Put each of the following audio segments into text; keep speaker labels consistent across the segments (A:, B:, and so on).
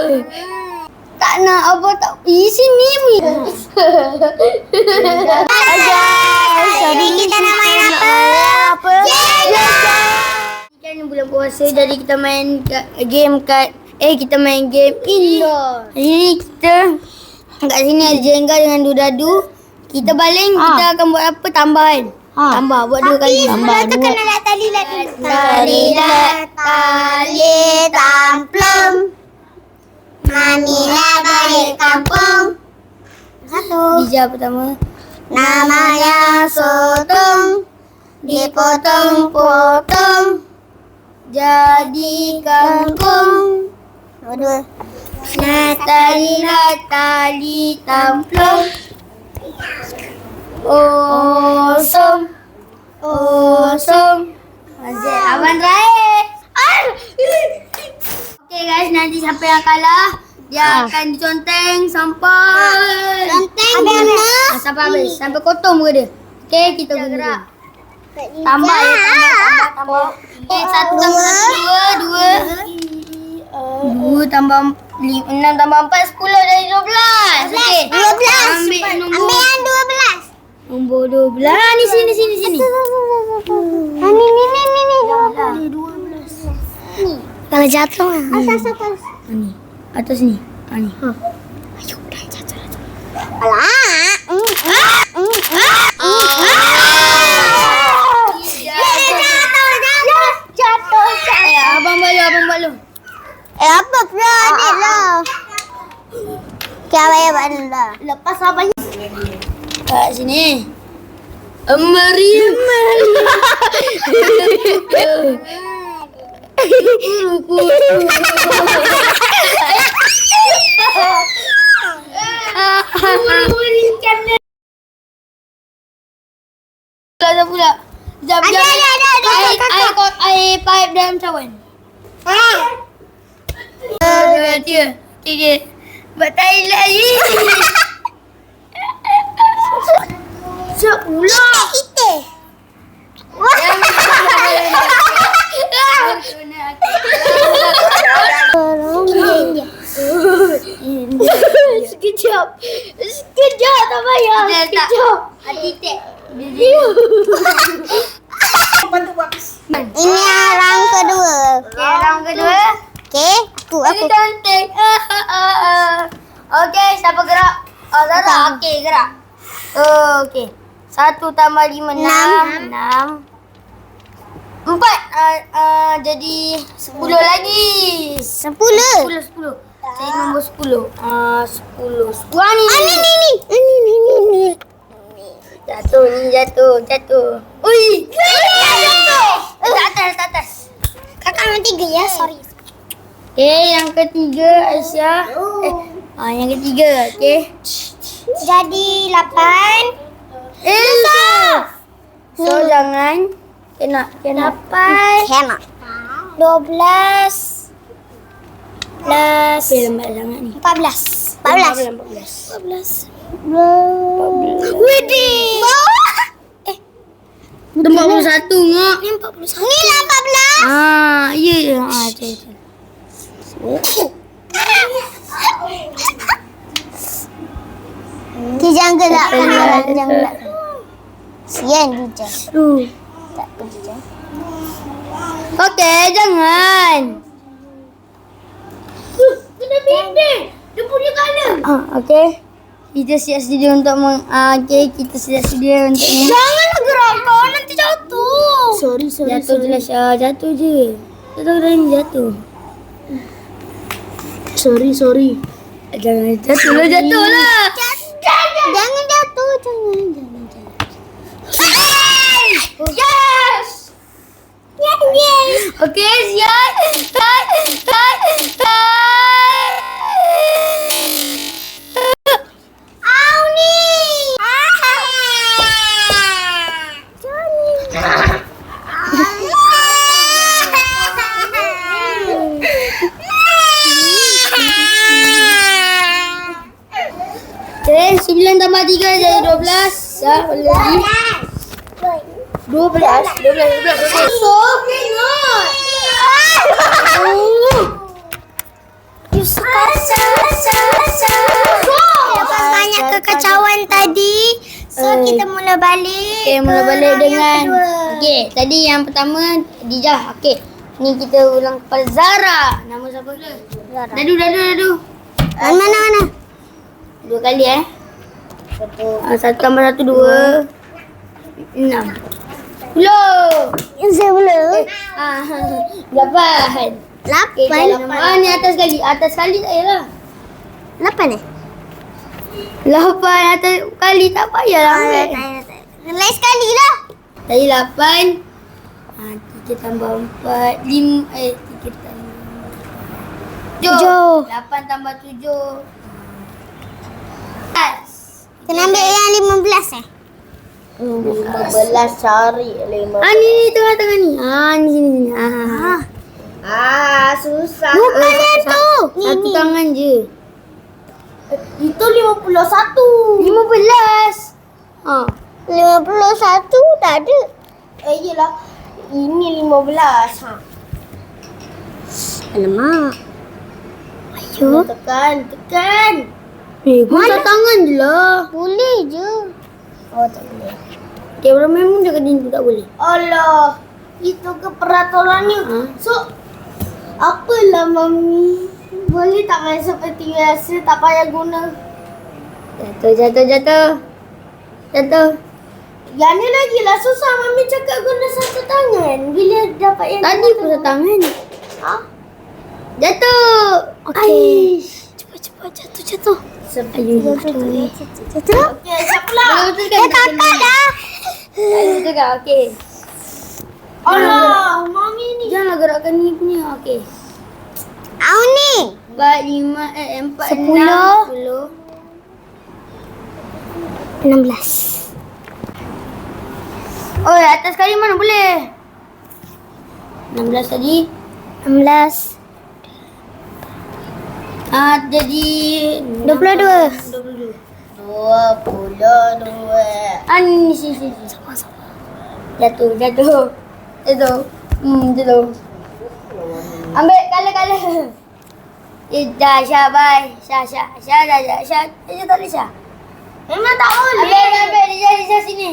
A: Tak nak apa tak. Sini.
B: Sorry, kita nak main apa?
A: Kan bulan puasa jadi kita main game kita main game indoor. Hari ni kita kat sini ada jengga dengan dudadu. Kita baling, kita akan buat apa? Tambah kan? Tambah, buat 2 kali.
B: Tambah 2. Kena nak tali tamplum. Mamilah balik kampung. 1.
A: Bija pertama.
B: Namanya sotong. Dipotong-potong
A: Jadi kangkung.
B: 2.
A: Natali tamplung. Osong. Abang terakhir. Okay guys, nanti siapa yang kalah dia akan diconteng sampai sampai habis, sampai kotor muka dia. Okay, kita gerak. Tambah. Okay, 1 tambah 2 tambah 6 tambah 4 10 dari 12. Okay.
B: 12.
A: Ambil
B: Ambil yang 12.
A: nombor 12. Ni sini.
B: Ni.
A: Kalau jatuh
B: Atas.
A: ni. Atas ni. Ni. Ayo, dah jatuh.
B: Jatuh.
A: Abang balu.
B: Apa pula ni lah? Kau bayar benda.
A: Lepas abang kat sini. Mariam. Pula. Jap.
B: Ada.
A: Air pipe dalam cawan. 2, 3. Buat Thailand lagi. Siap pula.
B: Kita.
A: Sekejap tak payah. Sekejap. Titik.
B: Ini round kedua.
A: Okay, round kedua.
B: Okey, aku.
A: Ini cantik. Okey, siapa gerak? Zara. Okey, gerak. Okey. 1 tambah 5, 6. 4. Jadi 10 lagi. 10. Jadi nombor 10. 10. Wah, ni.
B: Ni.
A: Jatuh. Ui. Atas.
B: Kakak nombor 3 ya, sorry.
A: Okay, yang ketiga Aisyah. Yang ketiga, okay.
B: Jadi 8.
A: So jangan kena.
B: 8. Kena. 12.
A: Okay, lambat sangat ni.
B: 14.
A: Widih. Dah 41 ngak.
B: Ni 41. Ni lah 14.
A: Ya.
B: Jangan gelak. Sian dia. Tak pergi.
A: Okey, jangan.
B: Kena bendek. Dia punya colour.
A: Okey. Kita siap sedia untuk kita siap sedia untuk
B: Janganlah gerakkan, nanti jatuh.
A: Sorry. Jatuh je lah Syah. Jatuh je. Jatuh. Sorry. Jangan jatuh lah.
B: Jangan jatuh.
A: Yes! Okey, siap. Okay, 9 tambah 3 jadi 12. Ya, boleh lagi. 12.
B: So cannot. You suka Lepas banyak kekacauan tadi, so kita mula balik.
A: Okay, mula
B: ke
A: balik
B: round yang
A: dengan
B: kedua.
A: okay, tadi yang pertama Dijah. Okay, ni kita ulang kepada Zara. Nama siapa dulu?
B: Zara.
A: Dadu.
B: Mana?
A: 2 kali satu tambah 1 2 6. 10.
B: Saya mula.
A: 8. Okay, jalan. Ni atas kali tak payahlah.
B: 8 eh?
A: 8 atas kali tak payahlah ambil.
B: Lain sekali lah.
A: Tadi 8. 3 tambah 4 5 3 tambah 7. 8 tambah 7.
B: Kena ambil yang 15 eh?
C: 15 cari 15.
A: Ni tengah-tengah ni. Ni sini.
C: Susah.
B: Bukan yang tu.
A: Satu tangan je.
C: Itu 51.
A: 15.
B: 51 tak ada.
C: Yelah. Ini 15.
B: Alamak.
A: Ayo.
C: Tekan.
A: Guna tangan je lah.
B: Boleh je.
C: Oh, tak boleh.
A: Okay, orang memang dekat dinding tak boleh.
C: Allah. Itu ke peraturannya. So, apalah Mami? Boleh tak main seperti biasa? Tak payah guna.
A: Jatuh.
C: Yang ni lagi lah susah. Mami cakap guna satu tangan. Bila dapat yang
A: Tadi pun satu tangan. Jatuh.
B: Okey. Cepat jatuh.
A: Ayo.
B: Jatuh.
C: Okey, siapa lah?
B: Kakak dah.
A: Betul kan? Okey.
C: Allah, Mami ni.
A: Janganlah gerakkan ni punya. Okey.
B: Au ni.
A: 4, 5, 4,
B: 10. 16.
A: Oh, atas kali mana boleh? 16 tadi.
B: 16.
A: Jadi
B: 22.
C: 22.
A: Ni sini. Jatuh. Jatuh. Ambil kala. Dah Syah, bye. Syah. Syah. Tak boleh Syah.
C: Memang tak boleh.
A: Ambil. Dijah sini.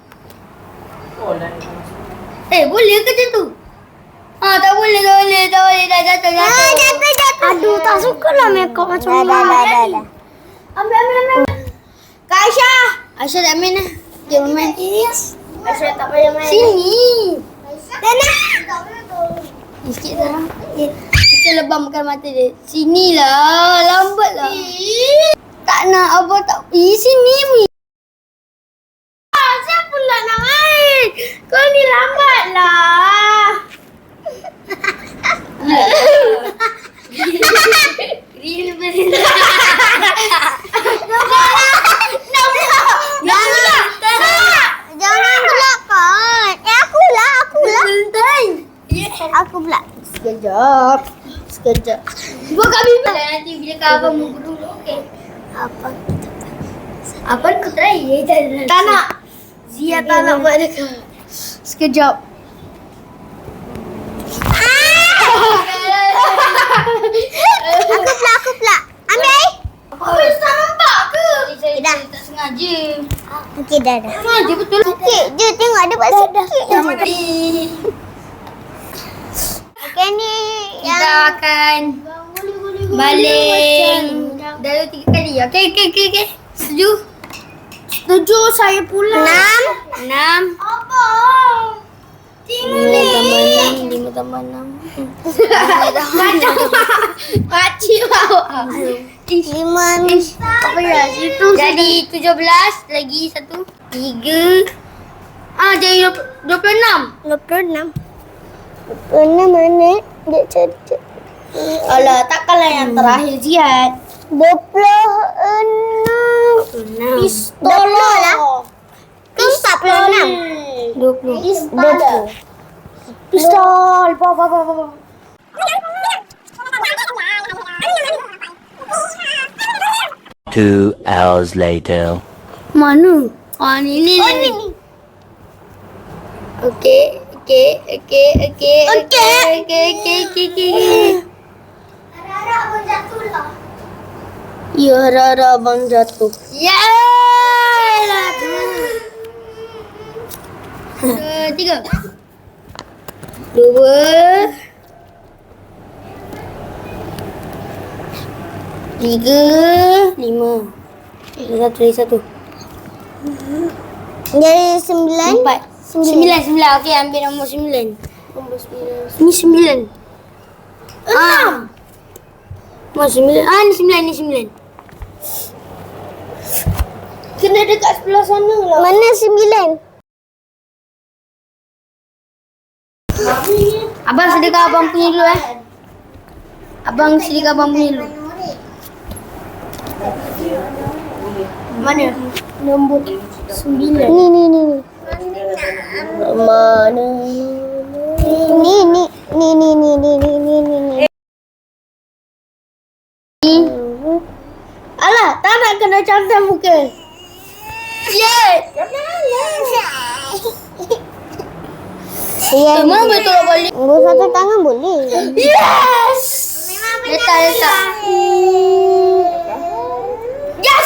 A: Boleh ke macam tu? Tak boleh. Dah jatuh.
B: Jatuh. Aduh, tak suka lah makeup macam ni. Dah.
A: Ambil.
C: Kak Aisyah.
A: Aisyah tak main lah. Dia main.
C: Aisyah tak payah main.
A: Sini.
C: Sana.
A: Sikit lah. Kita lebam makan mata dia. Sinilah. Lambat lah. Tak nak apa tak. Sini Mi.
C: Siapa pula nak main? Kau ni lambat lah.
B: Jangan gelapkan. Akulah. Aku pula.
C: Sekejap.
A: Buat kat bibi lah nanti bila kau abang muka dulu. Okey. Apa kau try?
C: Tak nak. Zia tak nak buat dekat.
A: Sekejap.
B: Aku pula. Ambil.
C: Kau tak nampak ke?
A: Dah. Tak sengaja.
B: Okey, dah.
A: Sengaja betul.
B: Sikit je. Tengok ada buat sikit je.
A: Mati.
B: Okey, ni
A: Kita
B: yang
A: akan balik. Dah 3 kali. Okey.
C: Setuju saya pula.
A: 6.
C: Apa?
A: 5 tambah 6.
C: Pakcik bawa.
B: 5
A: Apa ya? Situ jadi 17 lagi 1 3. Jadi 26.
B: 26. 26 mana? Dia cerdik.
C: Alah, takkanlah yang terakhir Ziad.
B: 26.
A: 26.
C: Pistol
B: lah. Ke 46?
A: 20.
B: 20.
C: Pistol. Bawa.
D: 2 hours later.
A: Mana? Ni. Okey.
C: Harap pun jatuh lah. Ya, harap abang jatuh.
A: Yalah. 3. 2. 3. 5. Satu.
B: Jadi 9.
A: 4. 9. Okey, ambil nombor 9. Ni 9. 6. Nombor 9. Ni 9.
C: Kena dekat sebelah sana lah.
B: Mana 9?
A: Abang sedekah abang punya dulu Abang sedekah abang punya dulu. Mana?
C: Nombor 9.
B: Ni.
C: Mana?
B: Ni.
C: Alah, tak nak kena cantik muka.
A: Yes.
B: Ya,
A: Memang betul balik.
B: Nombor satu tangan boleh.
A: Yes. Letak. Yes.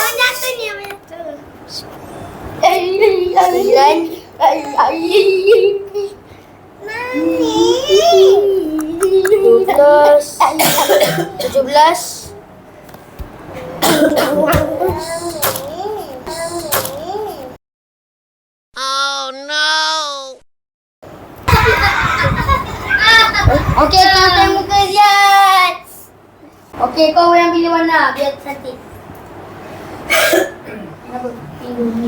A: Jatuh. 17. Okey, cantik muka Ziad. Okey, kau yang pilih warna biar cantik. Kenapa? Pilih ni.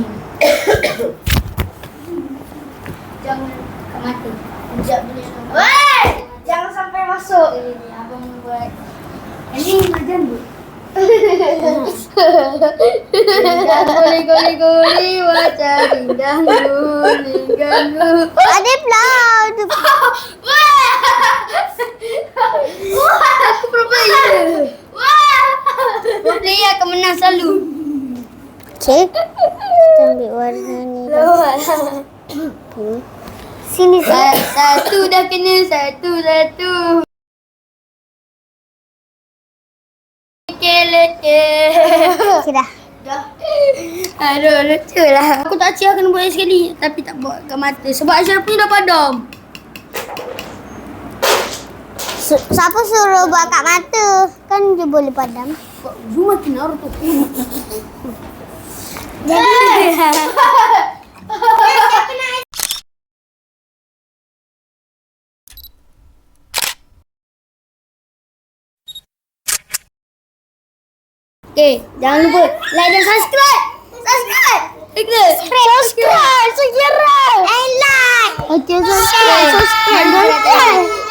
A: Jangan kat mata. Sekejap boleh.
C: Weh! Jangan sampai masuk.
A: Abang buat. Ini macam tu. Goli wajah indah ganggu.
B: Ada pula.
A: Aku pro player. Pro player akan menang selalu.
B: Cik. Kita ambil warna ni. Sini.
A: Satu dah kena. Satu.
B: Sudah.
A: Aduh, lucu lah. Aku tak kena buat sekali. Tapi tak buat kat mata. Sebab Ashraf punya dah padam.
B: Siapa suruh buat kat mata? Kan dia boleh padam.
A: You makin Naruto. Okay, jangan lupa like dan subscribe.
B: Subscribe. And like.
A: Okay, subscribe.
B: Subscribe.